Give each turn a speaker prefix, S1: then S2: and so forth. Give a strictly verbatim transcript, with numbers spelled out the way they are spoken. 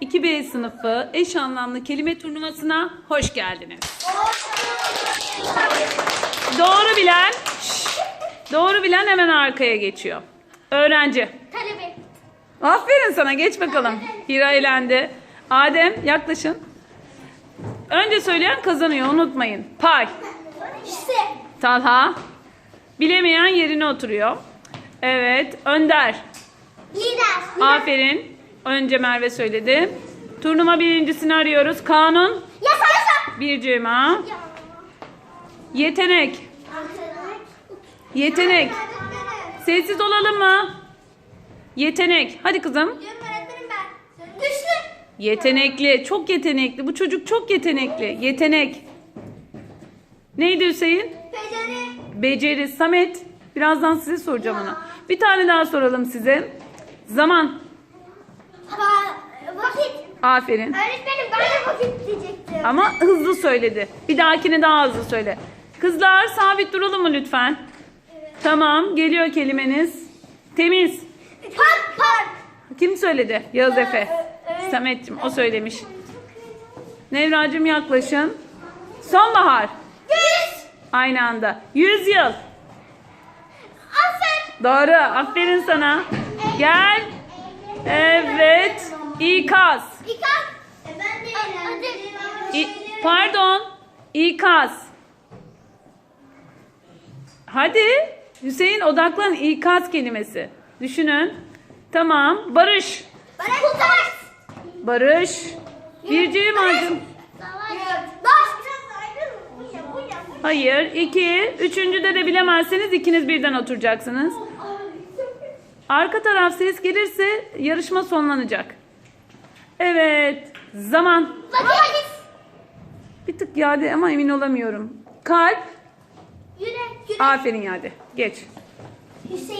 S1: iki B sınıfı eş anlamlı kelime turnuvasına hoş geldiniz. Doğru bilen, şş, doğru bilen hemen arkaya geçiyor. Öğrenci.
S2: Talebe.
S1: Aferin sana, geç bakalım. Hira elendi. Adem, yaklaşın. Önce söyleyen kazanıyor, unutmayın. Pay.
S2: Hisse.
S1: Talha. Bilemeyen yerine oturuyor. Evet, Önder.
S2: Lider.
S1: Aferin. Önce Merve söyledi. Turnuva birincisini arıyoruz. Kanun.
S2: Yasa. Yasa.
S1: Bir cema. Yetenek. Yetenek. Sessiz olalım mı? Yetenek. Hadi kızım.
S2: Öğretmenim ben. Güçlü.
S1: Yetenekli. Çok yetenekli. Bu çocuk çok yetenekli. Yetenek. Neydi Hüseyin?
S2: Beceri.
S1: Beceri. Samet. Birazdan size soracağım ona. Bir tane daha soralım size. Zaman.
S2: Vakit.
S1: Aferin.
S2: Öğretmenim ben de vakit diyecektim.
S1: Ama hızlı söyledi. Bir dahakine daha hızlı söyle. Kızlar sabit duralım mı lütfen? Tamam. Geliyor kelimeniz. Temiz.
S2: Park. Park.
S1: Kim söyledi? Yağız Efe. Samet'cim o söylemiş. Nevracığım yaklaşın. Sonbahar.
S2: Yüz.
S1: Aynı anda. Yüz yıl.
S2: Asır.
S1: Doğru. Aferin sana. Gel. Evet. İkaz.
S2: İkaz. E ben de eğlendim.
S1: İ- Pardon. İkaz. Hadi. Hüseyin odaklan. İkaz kelimesi. Düşünün. Tamam. Barış.
S2: Kurtar.
S1: Barış. Birciğim acım. Hayır. İki. Üçüncüde de bilemezseniz ikiniz birden oturacaksınız. Arka taraf ses gelirse yarışma sonlanacak. Evet. Zaman.
S2: Vakit.
S1: Bir tık Yade ama emin olamıyorum. Kalp.
S2: Yürek. Yürek.
S1: Aferin Yade. Geç.
S2: Hüseyin.